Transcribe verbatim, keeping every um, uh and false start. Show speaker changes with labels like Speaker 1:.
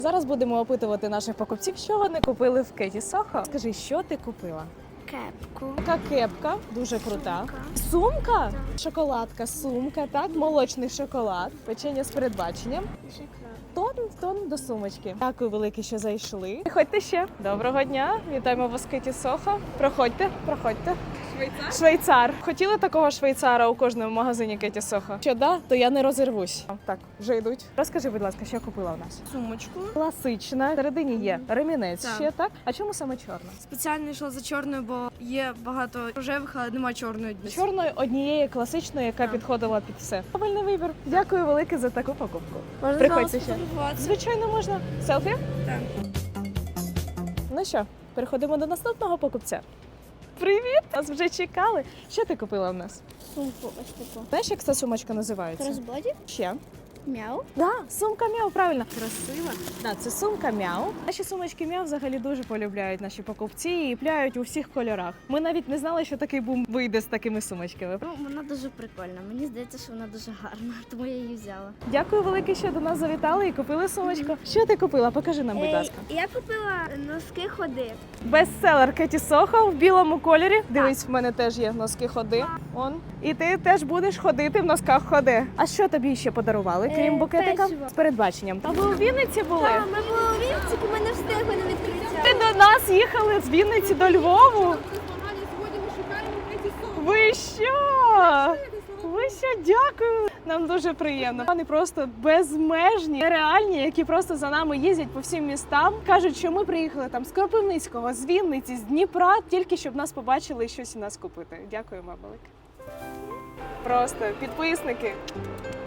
Speaker 1: Зараз будемо опитувати наших покупців, що вони купили в Кеті Сохо. Скажи, що ти купила?
Speaker 2: Кепку.
Speaker 1: Така кепка, дуже крута.
Speaker 2: Сумка.
Speaker 1: Сумка? Шоколадка, сумка, так, молочний шоколад, печення з передбаченням. Тон в тон до сумочки. Дякую велике, що зайшли. Приходьте ще. Доброго дня. Вітаємо вас в Кеті Сохо. Проходьте, проходьте. Швейцар? Швейцар. Хотіли такого швейцара у кожному магазині Кеті Сохо? Що да, то я не розірвусь. Так, вже йдуть. Розкажи, будь ласка, що купила у нас?
Speaker 3: Сумочку.
Speaker 1: Класична. Всередині є ремінець
Speaker 3: Так.
Speaker 1: ще, так? А чому саме чорна?
Speaker 3: Спеціально йшла за чорною, бо є багато рожевих, але немає чорної.
Speaker 1: Чорної однієї класичної, яка
Speaker 3: Так.
Speaker 1: підходила під все. Правильний вибір. Дякую велике за таку покупку.
Speaker 3: Можна
Speaker 1: Приходьте ще.
Speaker 3: сфотографуватися?
Speaker 1: Звичайно, можна. Селфі?
Speaker 3: Так.
Speaker 1: Ну що, переходимо до наступного покупця. Привіт! Нас вже чекали. Що ти купила в нас?
Speaker 2: Сумку ось таку.
Speaker 1: Знаєш, як ця сумочка називається?
Speaker 2: Кросбоді?
Speaker 1: Ще.
Speaker 2: Мяу.
Speaker 1: Да, сумка Мяу, правильно. Красива. Да, це сумка Мяу. Наші сумочки Мяу взагалі дуже полюбляють наші покупці і пляють у всіх кольорах. Ми навіть не знали, що такий бум вийде з такими сумочками.
Speaker 2: Ну, вона дуже прикольна. Мені здається, що вона дуже гарна, тому я її взяла.
Speaker 1: Дякую велике, що до нас завітали і купили сумочку. Що ти купила? Покажи нам, будь ласка.
Speaker 2: Я купила носки ходи.
Speaker 1: Бестселер Кеті Сохо в білому кольорі. Дивись, в мене теж є носки ходи. Он. І ти теж будеш ходити в носках ходи. А що тобі ще подарували, крім
Speaker 2: Е,
Speaker 1: букетика?
Speaker 2: печиво.
Speaker 1: З передбаченням. Та ви у Вінниці були?
Speaker 2: Так, ми були у Вінниці, ми не встигли на відкриття.
Speaker 1: Ти до нас їхали з Вінниці до Львову? Ви що? Ви що, дякую. Нам дуже приємно. Вони просто безмежні, нереальні, які просто за нами їздять по всім містам. Кажуть, що ми приїхали там з Кропивницького, з Вінниці, з Дніпра, тільки щоб нас побачили і щось у нас купити. Дякуємо велике. Просто підписники.